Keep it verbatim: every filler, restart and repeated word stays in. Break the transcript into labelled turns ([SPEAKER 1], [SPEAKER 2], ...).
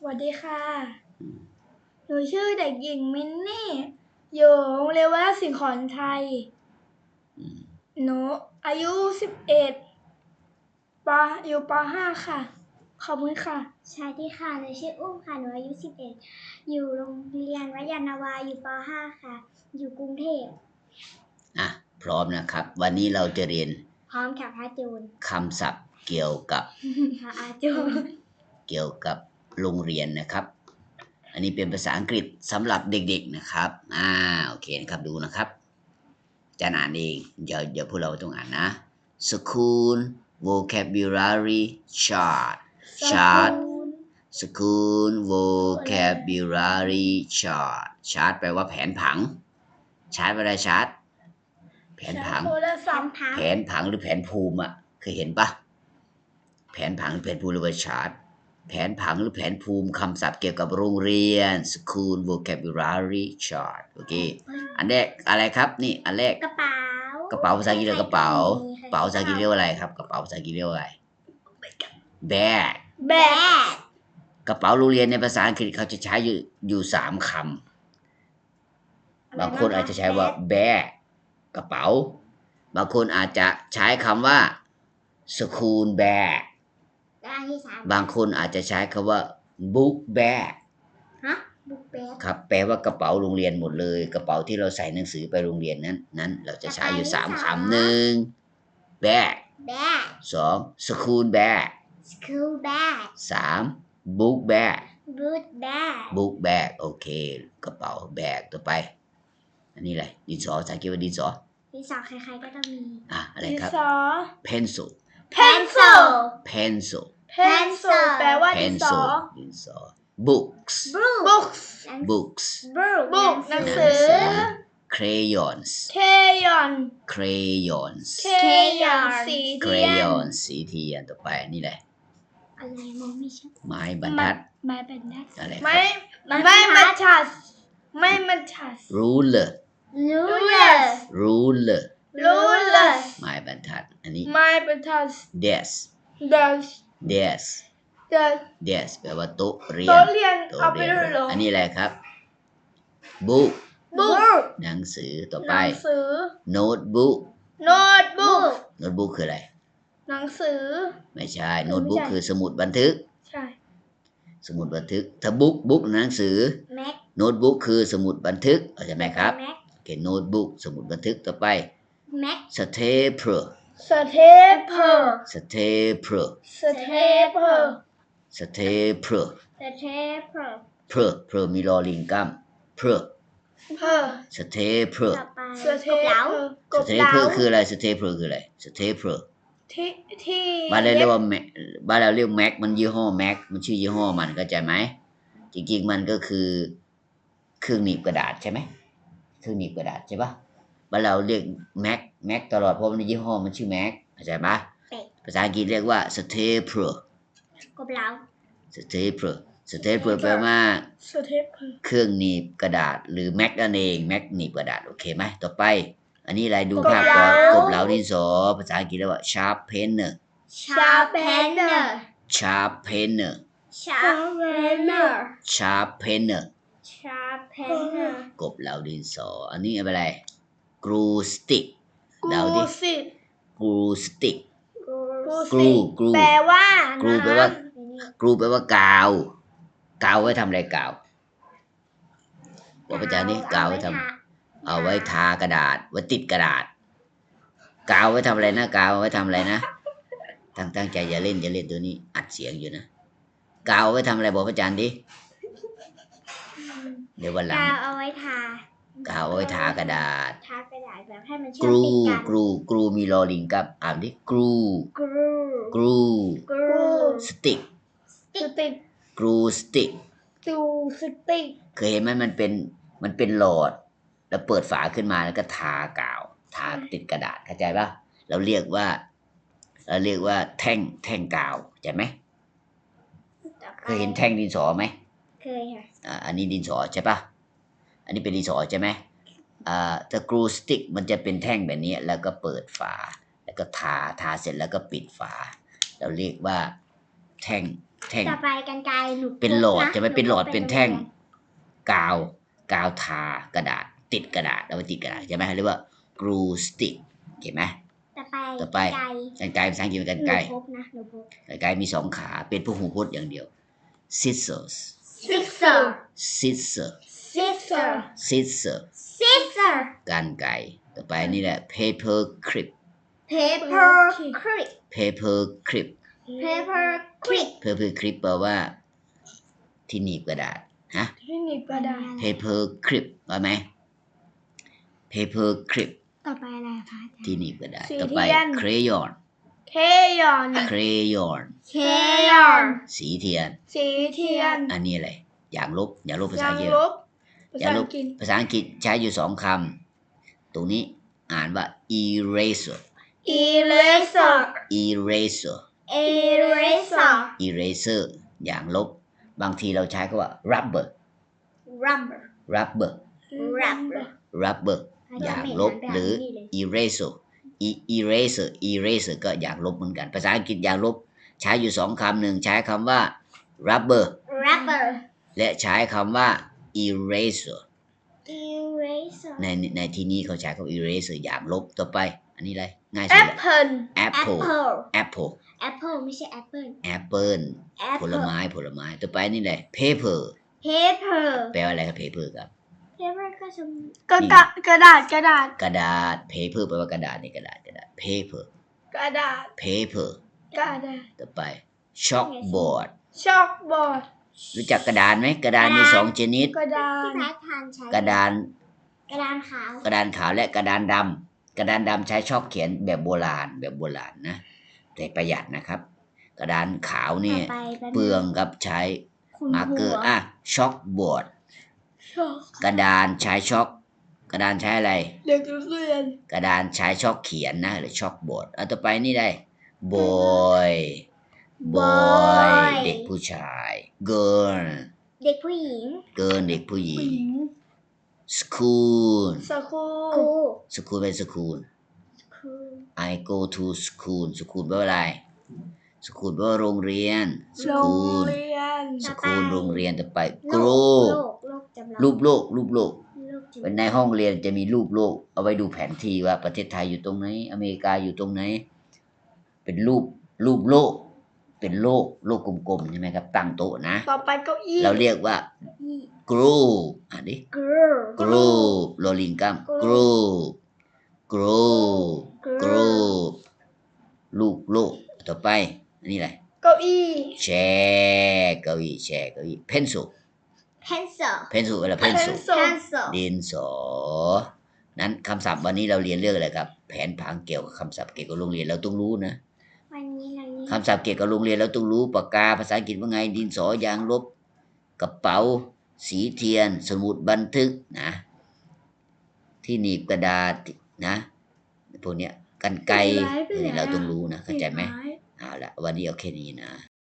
[SPEAKER 1] วัสดีค่ะหนูชื่อเด็กหญิงมินนี่อยู่โรงเรียนวัดสิงห์ขอนชัยหนูอายุสิบเอ็ดปอยู่ปห้าค่ะขอบคุณค่ะ
[SPEAKER 2] สวัสดีค่ะหนูชื่ออุ้มค่ะหนูอายุสิบเอ็ดอยู่โรงเรียนวัดยานนาวาอยู่ปห้าค่ะอยู่กรุงเทพ
[SPEAKER 3] อ่ะพร้อมนะครับวันนี้เราจะเรียน
[SPEAKER 2] พร้อมค่ะพระจูน
[SPEAKER 3] คำศัพท์เกี่ยวกับ
[SPEAKER 2] พระอาจูน
[SPEAKER 3] เกี่ยวกับโรงเรียนนะครับอันนี้เป็นภาษาอังกฤษสำหรับเด็กๆนะครับอ่าโอเคนะครับดูนะครับจะอ่านเองเดี๋ยวเดี๋ยวพวกเราต้องอ่านนะ School Vocabulary Chart Chart School Vocabulary Chart Chart แปลว่าแผนผังชาร์ตอะไรชาร์ตแผนผังแผนผังหรือแผนภูมิอ่ะเคยเห็นปะแผนผังหรือแผนภูมิหรือว่าชาร์ตแผนผังหรือแผนภูมิคำศัพท์เกี่ยวกับโรงเรียน School Vocabulary Chart โอเคอันแรกอะไรครับนี่อันแรก
[SPEAKER 2] กระเป๋าก
[SPEAKER 3] ระเป๋าภาษาอังกฤษเรียกกระเป๋ากระเป๋าภาษาอังกฤษเรียกว่าอะไรครับกระเป๋าภาษาอังกฤษเรียกว่าอะไร bag
[SPEAKER 2] bag
[SPEAKER 3] กระเป๋าโรงเรียนในภาษาอังกฤษเขาจะใช้อยู่อยู่สามคำบางคนอาจจะใช้ว่า bag กระเป๋าบางคนอาจจะใช้คำว่า school bag บางคนอาจจะใช้คำว่า book bag
[SPEAKER 2] ฮะ book bag
[SPEAKER 3] ครับแปลว่ากระเป๋าโรงเรียนหมดเลยกระเป๋าที่เราใส่หนังสือไปโรงเรียนนั้นนั้นเราจะใช้อยู่สามคำหนึ่ง bag
[SPEAKER 2] bag
[SPEAKER 3] สอง school bag
[SPEAKER 2] school bag
[SPEAKER 3] สาม book bag
[SPEAKER 2] book bag
[SPEAKER 3] book bag โอเคกระเป๋าแบกต่อไปอันนี้อะไรดินสอภาษาอังกฤษว่าดินสอ
[SPEAKER 2] ดินสอใครๆก็ต้องมี
[SPEAKER 3] อ่ะอะไรครับ pencil
[SPEAKER 2] pencil
[SPEAKER 3] pencil
[SPEAKER 1] pencil แปลว่าดินสอ
[SPEAKER 3] ดินสอ books
[SPEAKER 1] books
[SPEAKER 3] books
[SPEAKER 1] book หนังสือ
[SPEAKER 3] crayons
[SPEAKER 1] crayon
[SPEAKER 3] crayons
[SPEAKER 1] crayon สีเทียน
[SPEAKER 3] crayon สีเทียนต่อไปนี่แหละ
[SPEAKER 2] อะไรมองไม่ชัด
[SPEAKER 3] ไม้บรรทัด
[SPEAKER 1] ไม้บรรทัด
[SPEAKER 3] อะไรครับ
[SPEAKER 1] ไม้ไม้บรรทัดไม้บรรทัด
[SPEAKER 3] ruler
[SPEAKER 2] ruler
[SPEAKER 3] ruler
[SPEAKER 1] ruler
[SPEAKER 3] ไม้บรรทัดอันนี้
[SPEAKER 1] ไม้บรรทัด
[SPEAKER 3] desk
[SPEAKER 1] desk
[SPEAKER 3] desk
[SPEAKER 1] desk
[SPEAKER 3] desk แปลว่าโต๊ะเรียน
[SPEAKER 1] โต๊ะเรียน
[SPEAKER 3] โต๊ะ
[SPEAKER 1] เอาไป
[SPEAKER 3] เรียน
[SPEAKER 1] ด้วยเหรอ
[SPEAKER 3] อันนี้อะไรครับ book
[SPEAKER 1] book
[SPEAKER 3] หนังสือต่อ
[SPEAKER 1] ห
[SPEAKER 3] ไป
[SPEAKER 1] นังสือ
[SPEAKER 3] notebook
[SPEAKER 1] notebook
[SPEAKER 3] notebook คืออะไร
[SPEAKER 1] หนังสือ
[SPEAKER 3] ไม่ใช่ notebook คือสมุดบันทึก
[SPEAKER 1] ใช่
[SPEAKER 3] สมุดบันทึกถ้า book book หนังสือ
[SPEAKER 2] mac
[SPEAKER 3] notebook คือสมุดบันทึกเข้าใจไหมครับ
[SPEAKER 2] mac
[SPEAKER 3] โอเค notebook สมุดบันทึกต่อไป
[SPEAKER 2] mac
[SPEAKER 3] stapler
[SPEAKER 1] stapler
[SPEAKER 3] stapler
[SPEAKER 1] stapler
[SPEAKER 3] stapler
[SPEAKER 2] stapler
[SPEAKER 3] per per มีลอลิงกัม per
[SPEAKER 1] per
[SPEAKER 3] stapler
[SPEAKER 2] ต่อไป
[SPEAKER 1] stapler กบเหลา
[SPEAKER 3] stapler คืออะไร stapler คืออะไร stapler
[SPEAKER 1] ที่ที่
[SPEAKER 3] บ้านเราเรียกว่าบ้านเราเรียกแม็กมันยี่ห้อแม็กมันชื่อยี่ห้อมันเข้าใจไหมจริงๆมันก็คือเครื่องหนีบกระดาษใช่ไหมเครื่องหนีบกระดาษใช่ปะบ้านเราเรียกแม็กแม็กตลอดเพราะมันยี่ห้อมันชื่อแม็กเข้าใจปะภาษาอังกฤษเรียกว่า stapler
[SPEAKER 2] กบเหลา
[SPEAKER 3] stapler stapler แปลว่า
[SPEAKER 1] stapler
[SPEAKER 3] เครื่องหนีบกระดาษหรือแม็กนั่นเองแม็กหนีบกระดาษโอเคไหมต่อไปอันนี้อะไรดูภาพก่อนกบเหลาดินสอภาษาอังกฤษเรียกว่า sharpener
[SPEAKER 2] sharpener
[SPEAKER 3] sharpener
[SPEAKER 2] sharpener
[SPEAKER 3] sharpener
[SPEAKER 2] sharpener
[SPEAKER 3] กบเหลาดินสออันนี้อะไร glue stick เดาดิ glue stick glue glue
[SPEAKER 1] แปลว่า
[SPEAKER 3] glue แปลว่า glue แปลว่ากาวกาวไว้ทำอะไรกาวบอกอาจารย์นี่กาวไว้ทำเอาไว้ทากระดาษไว้ติดกระดาษกาวไว้ทำอะไรนะกาวไว้ทำอะไรนะตั้งตั้งใจอย่าเล่นอย่าเล่นตัวนี้อัดเสียงอยู่นะกาวไว้ทำอะไรบอกอาจารย์ดิเดี๋ยววันหลัง
[SPEAKER 2] กาวเอาไว้ทาก
[SPEAKER 3] าวไว้ทากระดาษ
[SPEAKER 2] ทากระดาษแบบให้มันเชื่
[SPEAKER 3] ก
[SPEAKER 2] อม
[SPEAKER 3] รู
[SPEAKER 2] ติดกัน
[SPEAKER 3] กรูกรูมีลอลิงกับอ่านดิกรู
[SPEAKER 2] glue
[SPEAKER 3] กรู
[SPEAKER 2] glue
[SPEAKER 3] สติก
[SPEAKER 1] สติก
[SPEAKER 3] กรูสติก
[SPEAKER 1] จูสติก
[SPEAKER 3] เคยเห็นไหมมันเป็นมันเป็นหลอดแล้วเปิดฝาขึ้นมาแล้วก็ทากาวทาติดกระดาษเข้าใจปะเราเรียกว่าเราเรียกว่าแท่งแท่งกาวเข้าใจไหมเคยเห็นแท่งดินสอไหม
[SPEAKER 2] เคยค่ะ
[SPEAKER 3] อ่าอันนี้ดินสอใช่ปะอันนี้เป็นดินสอใช่ไหมอ่าแต่กรูสติกมันจะเป็นแท่งแบบนี้แล้วก็เปิดฝาแล้วก็ทาทาเสร็จแล้วก็ปิดฝาเราเรียกว่าแท่งแท่ง
[SPEAKER 2] ต่อไปกันไกรหนูพก
[SPEAKER 3] เป็นหลอด
[SPEAKER 2] นะ
[SPEAKER 3] จะไม่เป็นหลอด
[SPEAKER 2] นูพก
[SPEAKER 3] เป็นแท่ง กาว กาวทากระดาษ ติดกระดาษเอาไปติดกระดาษใช่ไหมเรียกว่า glue stick เห็นไหม
[SPEAKER 2] ต่อไป
[SPEAKER 3] ต่อไป
[SPEAKER 2] กันไกร
[SPEAKER 3] กันไกรภาษาอังกฤษเป็นกัน
[SPEAKER 2] หนู
[SPEAKER 3] ไกร
[SPEAKER 2] พกนะหนูพก
[SPEAKER 3] กันไกรมีสองขาเป็นพหูพจน์อย่างเดียว scissors
[SPEAKER 2] scissor
[SPEAKER 3] scissor
[SPEAKER 2] scissor
[SPEAKER 3] scissor
[SPEAKER 2] scissor
[SPEAKER 3] กันไกรต่อไปนี่แหละ paper clip
[SPEAKER 2] paper clip
[SPEAKER 3] paper clip
[SPEAKER 2] paper clip
[SPEAKER 3] paper clip แปลว่า ที่หนีบกระดาษฮะ
[SPEAKER 1] ที่หนีบกระดาษ
[SPEAKER 3] paper clip ว่าไหม paper clip
[SPEAKER 2] ต่อไปอะไรคะอาจารย์
[SPEAKER 3] ที่หนีบกระดาษ
[SPEAKER 1] สี
[SPEAKER 3] ต่อไป
[SPEAKER 1] เทียน
[SPEAKER 3] crayon
[SPEAKER 1] เคยอน
[SPEAKER 3] crayon
[SPEAKER 2] เคยอน
[SPEAKER 3] สีเทียน
[SPEAKER 1] สีเทียน
[SPEAKER 3] อันนี้อะไรอย่างลบอย่างลบภาษาย
[SPEAKER 1] าง
[SPEAKER 3] อังกฤษ
[SPEAKER 1] ลบภา
[SPEAKER 3] อย่า
[SPEAKER 1] ษาง
[SPEAKER 3] ล
[SPEAKER 1] อั
[SPEAKER 3] บ
[SPEAKER 1] งกฤษ
[SPEAKER 3] ภาษาอังกฤษใช้อยู่สองคำตรงนี้อ่านว่า eraser
[SPEAKER 1] eraser
[SPEAKER 3] eraser
[SPEAKER 2] eraser
[SPEAKER 3] eraser อย่างลบ บางทีเราใช้คำว่า rubber
[SPEAKER 2] rubber
[SPEAKER 3] rubber
[SPEAKER 2] rubber
[SPEAKER 3] rubber อย่างลบหรือ eraser E- eraser eraser ก็อย่างลบเหมือนกัน ภาษาอังกฤษอย่างลบใช้อยู่สองคำหนึ่งใช้คำว่า rubber
[SPEAKER 2] rubber
[SPEAKER 3] และใช้คำว่า eraser
[SPEAKER 2] eraser
[SPEAKER 3] ในในที่นี้เขาใช้คำว่า eraser อย่างลบต่อไป อันนี้อะไรง่ายสุดเลย
[SPEAKER 1] apple
[SPEAKER 3] apple
[SPEAKER 2] apple
[SPEAKER 3] apple
[SPEAKER 2] apple ไม่ใช่ apple
[SPEAKER 3] apple ผล
[SPEAKER 2] apple
[SPEAKER 3] ไม้ผลไม้ต่อไปนี่แหละ paper
[SPEAKER 2] paper
[SPEAKER 3] แปลว่าอะไรครับ paper ครับ
[SPEAKER 2] paper ก็จะ
[SPEAKER 1] กระดาษกระดาษกระดาษ
[SPEAKER 3] กระดาษ paper แปลว่ากระดาษนี่กระดาษกระดาษ paper
[SPEAKER 1] กระดาษ
[SPEAKER 3] paper
[SPEAKER 1] กระดาษ
[SPEAKER 3] ต่อไป chalkboard
[SPEAKER 1] ช็อกบอร์ด
[SPEAKER 3] รู้จักกระดานไหมกระดานมีสองชนิด
[SPEAKER 1] กระดา
[SPEAKER 2] ที่
[SPEAKER 1] น
[SPEAKER 2] พายทานใช้
[SPEAKER 3] กระดาน
[SPEAKER 2] กระดานขาว
[SPEAKER 3] กระดานขาวและกระดานดำกระดานดำใช้ชอบเขียนแบบโบราณแบบโบราณนะแต่ประหยัดนะครับ กระดานขาวนี่
[SPEAKER 2] ต่อไปแป๊บนึง
[SPEAKER 3] เปลืองครับใช้
[SPEAKER 2] คุณ
[SPEAKER 3] มาร์กเกอร์
[SPEAKER 2] หัว
[SPEAKER 3] อ่ะช็อกบอร์ด
[SPEAKER 1] ช็อก
[SPEAKER 3] กระดานใช้ช็อก กระดานใช้อะไร
[SPEAKER 1] เด็กเรียน
[SPEAKER 3] กระดานใช้ช็อกเขียนนะหรือช็อกบอร์ดเอาต่อไปนี่ได้ boy boy เด็กผู้ชาย girl
[SPEAKER 2] เด็กผู้หญิง
[SPEAKER 3] girl เด็กผู้หญิ
[SPEAKER 1] ผู้
[SPEAKER 3] ง
[SPEAKER 1] หญิง
[SPEAKER 3] school
[SPEAKER 1] สกู
[SPEAKER 2] ครู
[SPEAKER 3] school เป็น school
[SPEAKER 2] ครู
[SPEAKER 3] I go to school school แปลว่าอะไร school แปลว่าโรงเรียน
[SPEAKER 1] โรง
[SPEAKER 3] school
[SPEAKER 1] เรียน
[SPEAKER 3] school โรงเรียนต่อไป
[SPEAKER 2] โล
[SPEAKER 3] grow
[SPEAKER 2] กโลกโลกจำลอง
[SPEAKER 3] รูปโลกรูปโลก
[SPEAKER 2] โลกจำลอง
[SPEAKER 3] ในห้องเรียนจะมีรูปโลก เอาไว้ดูแผนที่ว่าประเทศไทยอยู่ตรงไหน อเมริกาอยู่ตรงไหน เป็นรูปรูปโลก เป็นโลกโลกกลมๆใช่ไหมครับ ตั้งโต๊ะนะ
[SPEAKER 1] ต่อไปเก้าอี้
[SPEAKER 3] เราเรียกว่า group อ่านดิ
[SPEAKER 2] girl
[SPEAKER 3] group โรลิงกัม group group group ลูกโลกต่อไป อันนี้อะไร
[SPEAKER 1] เก้าอี้
[SPEAKER 3] แชร์เก้าอี้แชร์เก้าอี้ pencil
[SPEAKER 2] pencil
[SPEAKER 3] pencil อะไร pencil
[SPEAKER 2] pencil
[SPEAKER 3] ดินสอ นั้นคำศัพท์วันนี้เราเรียนเรื่องอะไรครับ แผนผังเกี่ยวกับคำศัพท์เกี่ยวกับโรงเรียนเราต้องรู้นะ
[SPEAKER 2] วันนี้เรานี้
[SPEAKER 3] คำศัพท์เกี่ยวกับโรงเรียนเราต้องรู้ปากกาภาษาอังกฤษว่าไง ดินสอยางลบ กระเป๋า สีเทียน สมุดบันทึกนะ ที่หนีบกระดาษนะพวกเนี้ยกันไกรเราต้องรู้นะเข้าใจไหมเอาละวันนี้เอาแค่นี้นะ